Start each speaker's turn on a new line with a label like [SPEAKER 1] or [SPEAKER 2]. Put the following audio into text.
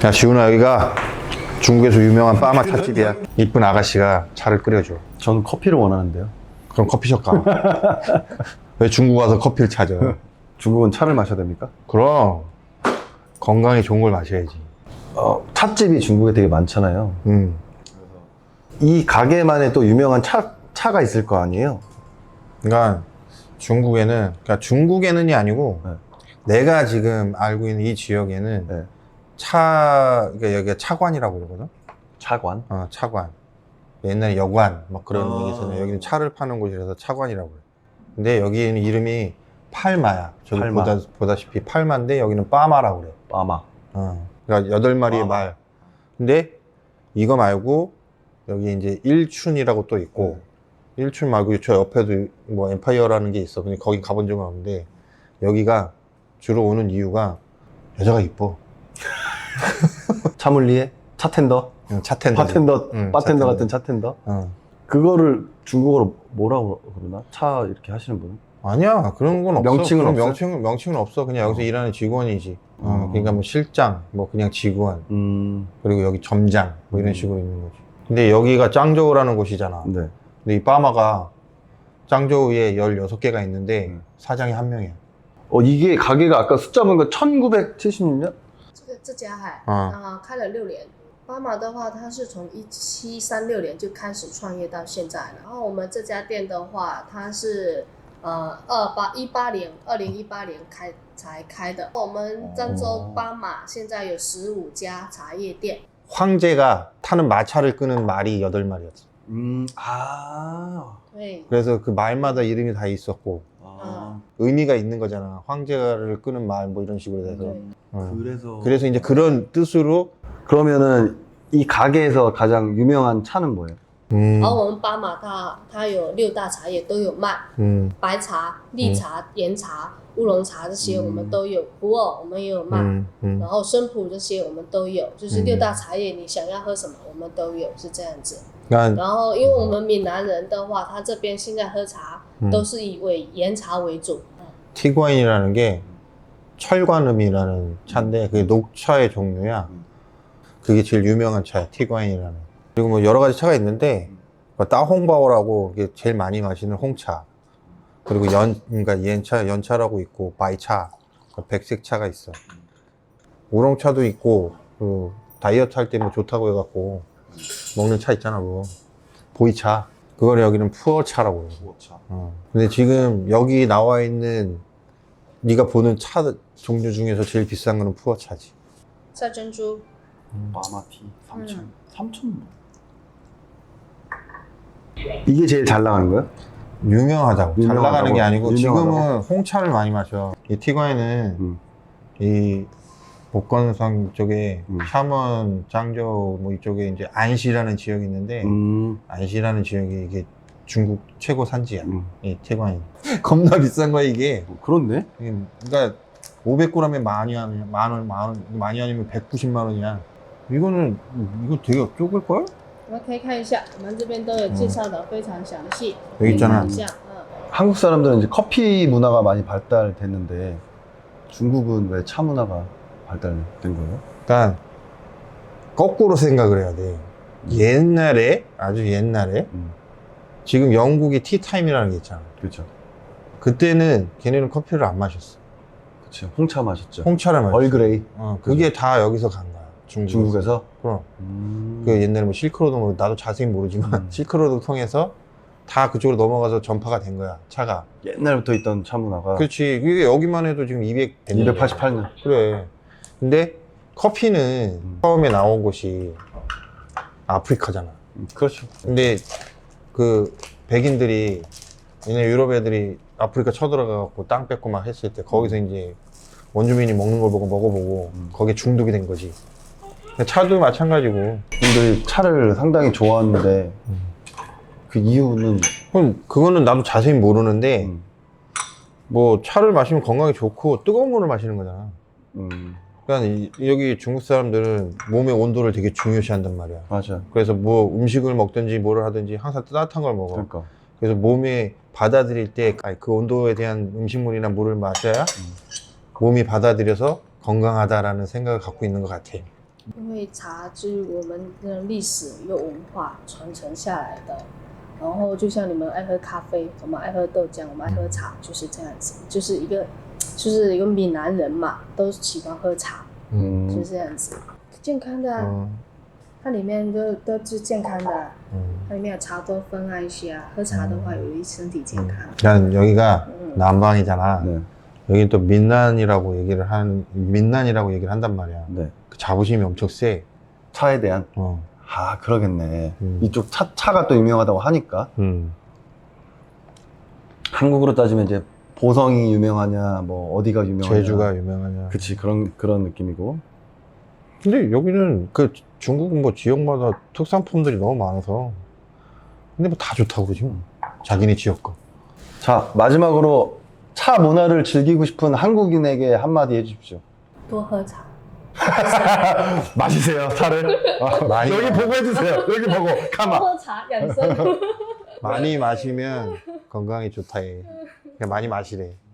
[SPEAKER 1] 야, 지훈아, 여기가 중국에서 유명한 빠마 찻집이야. 이쁜 아가씨가 차를 끓여줘.
[SPEAKER 2] 저는 커피를 원하는데요.
[SPEAKER 1] 그럼 커피숍 가. 왜 중국 와서 커피를 찾아?
[SPEAKER 2] 중국은 차를 마셔야 됩니까?
[SPEAKER 1] 그럼 건강에 좋은 걸 마셔야지.
[SPEAKER 2] 찻집이 중국에 되게 많잖아요.
[SPEAKER 1] 음.
[SPEAKER 2] 이 가게만의 또 유명한 차가 있을 거 아니에요?
[SPEAKER 1] 그러니까 중국에는이 아니고
[SPEAKER 2] 네.
[SPEAKER 1] 내가 지금 알고 있는 이 지역에는
[SPEAKER 2] 네.
[SPEAKER 1] 그러니까 여기가 차관이라고 그러거든.
[SPEAKER 2] 차관?
[SPEAKER 1] 차관. 옛날에 여관 막 그런 얘기 있었는데
[SPEAKER 2] 아.
[SPEAKER 1] 여기는 차를 파는 곳이라서 차관이라고 그래. 근데 여기는 이름이 팔마야. 저기
[SPEAKER 2] 팔마.
[SPEAKER 1] 보다시피 팔마인데 여기는 빠마라고 그래.
[SPEAKER 2] 빠마.
[SPEAKER 1] 그러니까 8마리의
[SPEAKER 2] 빠마.
[SPEAKER 1] 말. 근데 이거 말고 여기 이제 일춘이라고 또 있고 일춘 말고 저 옆에도 뭐 엠파이어라는 게 있어. 근데 거기 가본 적은 없는데 여기가 주로 오는 이유가 여자가 이뻐.
[SPEAKER 2] 차물리에? 차텐더?
[SPEAKER 1] 차텐더.
[SPEAKER 2] 바텐더,
[SPEAKER 1] 응,
[SPEAKER 2] 바텐더 같은 차텐더? 그거를 중국어로 뭐라고 그러나? 차 이렇게 하시는 분은?
[SPEAKER 1] 아니야, 그런 건 없어.
[SPEAKER 2] 명칭은
[SPEAKER 1] 그런
[SPEAKER 2] 없어요?
[SPEAKER 1] 명칭은 없어. 그냥 여기서 일하는 직원이지. 그러니까 뭐 실장, 뭐 그냥 직원, 그리고 여기 점장, 뭐 이런 식으로 있는 거지. 근데 여기가 짱저우라는 곳이잖아.
[SPEAKER 2] 네.
[SPEAKER 1] 근데 이 빠마가 짱저우에 16개가 있는데 사장이 한 명이야.
[SPEAKER 2] 이게 가게가 아까 숫자 보니까 1976년?
[SPEAKER 3] 这家海
[SPEAKER 1] 啊
[SPEAKER 3] 开了6年。巴马的话，它是从1736年就开始创业到现在了。然后我们这家店的话，它是2018年才开的。我们漳州巴马现在有15家茶叶店。
[SPEAKER 1] 황제가 타는 마차를 끄는 말이 8마리였어.
[SPEAKER 3] 对，
[SPEAKER 1] 그래서 그 말마다 이름이 다 있었고
[SPEAKER 2] 아.
[SPEAKER 1] 의미가 있는 거잖아. 황제를 끄는 말 뭐 이런 식으로 돼서.
[SPEAKER 2] 그래서.
[SPEAKER 1] 그래서 이제 그런 뜻으로
[SPEAKER 2] 그러면은 이 가게에서 가장 유명한 차는 뭐예요?
[SPEAKER 3] 然后我们巴马它有6大茶叶都有卖， 白茶、绿茶、岩茶、乌龙茶这些我们都有，普洱我们也有卖，然后生普这些我们都有，就是6大茶叶你想要喝什么我们都有，是这样子。
[SPEAKER 1] 그러니까
[SPEAKER 3] 然后因为我们闽南人的话，他这边现在喝茶都是以岩茶为主。
[SPEAKER 1] 티과인이라는 게 철관음이라는 차인데 그게 녹차의 종류야. 그게 제일 유명한 차야, 티과인이라는. 그리고 뭐 여러 가지 차가 있는데 따홍바오라고 이게 제일 많이 마시는 홍차. 그리고 그러니까 연차라고 있고 바이차, 백색 차가 있어. 우롱차도 있고 그 다이어트 할 때 뭐 좋다고 해갖고 먹는 차 있잖아, 뭐 보이차. 그걸 여기는 푸어차라고 해.
[SPEAKER 2] 푸어차.
[SPEAKER 1] 근데 지금 여기 나와 있는 네가 보는 차 종류 중에서 제일 비싼 거는 푸어차지.
[SPEAKER 3] 赛珍珠，
[SPEAKER 2] 마마티 3,000. 이게 제일 잘 나가는 거예요?
[SPEAKER 1] 유명하다고. 잘
[SPEAKER 2] 유명하다고.
[SPEAKER 1] 나가는 게 아니고
[SPEAKER 2] 유명하다고.
[SPEAKER 1] 지금은 홍차를 많이 마셔. 이 티과에는 이 복건성 쪽에 샤먼, 짱저우 뭐 이쪽에 이제 안시라는 지역이 있는데 안시라는 지역이 이게 중국 최고 산지야. 이 티과인. 겁나 비싼 거야 이게.
[SPEAKER 2] 그렇네.
[SPEAKER 1] 그러니까 500g에 많이 아니면 190만 원이야. 이거 되게 적을 걸?
[SPEAKER 3] 我们可以看一下，我们这边都有介绍的非常详细。
[SPEAKER 1] 여기 있잖아.
[SPEAKER 3] 看一下，
[SPEAKER 2] 한국 사람들은 이제 커피 문화가 많이 발달됐는데 중국은 왜 차 문화가 발달된 거예요?
[SPEAKER 1] 그러니까 거꾸로 생각을 해야 돼. 옛날에 아주 옛날에 지금 영국이 티타임이라는 게 있잖아.
[SPEAKER 2] 그렇죠.
[SPEAKER 1] 그때는 걔네는 커피를 안 마셨어.
[SPEAKER 2] 그렇죠. 홍차 마셨죠.
[SPEAKER 1] 홍차를 마셨어.
[SPEAKER 2] 얼그레이.
[SPEAKER 1] 그게 다 여기서 간 거야.
[SPEAKER 2] 중국에서?
[SPEAKER 1] 그럼. 그 옛날에 뭐 실크로드 뭐 나도 자세히 모르지만 실크로드 통해서 다 그쪽으로 넘어가서 전파가 된 거야. 차가.
[SPEAKER 2] 옛날부터 있던 차 문화가.
[SPEAKER 1] 그렇지. 이게 여기만 해도 지금
[SPEAKER 2] 288년.
[SPEAKER 1] 그래. 근데 커피는 처음에 나온 곳이 아프리카잖아.
[SPEAKER 2] 그렇죠.
[SPEAKER 1] 근데 그 백인들이 얘네 유럽 애들이 아프리카 쳐들어가갖고 땅 뺏고 막 했을 때 거기서 이제 원주민이 먹는 걸 보고 먹어보고 거기에 중독이 된 거지. 차도 마찬가지고.
[SPEAKER 2] 분들이 차를 상당히 좋아하는데 그 이유는
[SPEAKER 1] 그럼 그거는 나도 자세히 모르는데 뭐 차를 마시면 건강에 좋고 뜨거운 물을 마시는 거잖아. 그러니까 여기 중국 사람들은 몸의 온도를 되게 중요시한단 말이야.
[SPEAKER 2] 맞아.
[SPEAKER 1] 그래서 뭐 음식을 먹든지 뭐를 하든지 항상 따뜻한 걸 먹어.
[SPEAKER 2] 그러니까.
[SPEAKER 1] 그래서 몸에 받아들일 때 그 온도에 대한 음식물이나 물을 마셔야 몸이 받아들여서 건강하다라는 생각을 갖고 있는 것 같아.
[SPEAKER 3] 因为茶是我们的历史又文化传承下来的。然后就像你们爱喝咖啡，我们爱喝豆浆，我们爱喝茶，就是这样子，就是一个闽南人嘛，都喜欢喝茶，就是这样子，健康的啊，它里面都是健康的啊，它里面有茶多酚啊一些啊，喝茶的话有益身体健康。
[SPEAKER 1] 난 여기가 남방이잖아.
[SPEAKER 2] 네.
[SPEAKER 1] 여기 또 민난이라고 민난이라고 얘기를 한단 말이야.
[SPEAKER 2] 네.
[SPEAKER 1] 그 자부심이 엄청 세.
[SPEAKER 2] 차에 대한 아 그러겠네. 이쪽 차가 또 유명하다고 하니까. 한국으로 따지면 이제 보성이 유명하냐 뭐 어디가 유명하냐
[SPEAKER 1] 제주가 유명하냐.
[SPEAKER 2] 그치 그런 느낌이고.
[SPEAKER 1] 근데 여기는 그 중국은 뭐 지역마다 특산품들이 너무 많아서 근데 뭐 다 좋다고 그러지 뭐. 자기네 지역 거.
[SPEAKER 2] 자 마지막으로 차 문화를 즐기고 싶은 한국인에게 한마디 해주십시오.
[SPEAKER 3] 多喝茶。
[SPEAKER 2] 마시세요 차를.
[SPEAKER 1] 많이
[SPEAKER 2] 여기 보고 해주세요. 여기 보고
[SPEAKER 3] 多
[SPEAKER 2] 가만.
[SPEAKER 3] 喝茶养生。
[SPEAKER 1] 많이 마시면 건강에 좋다 해. 그냥 많이 마시래.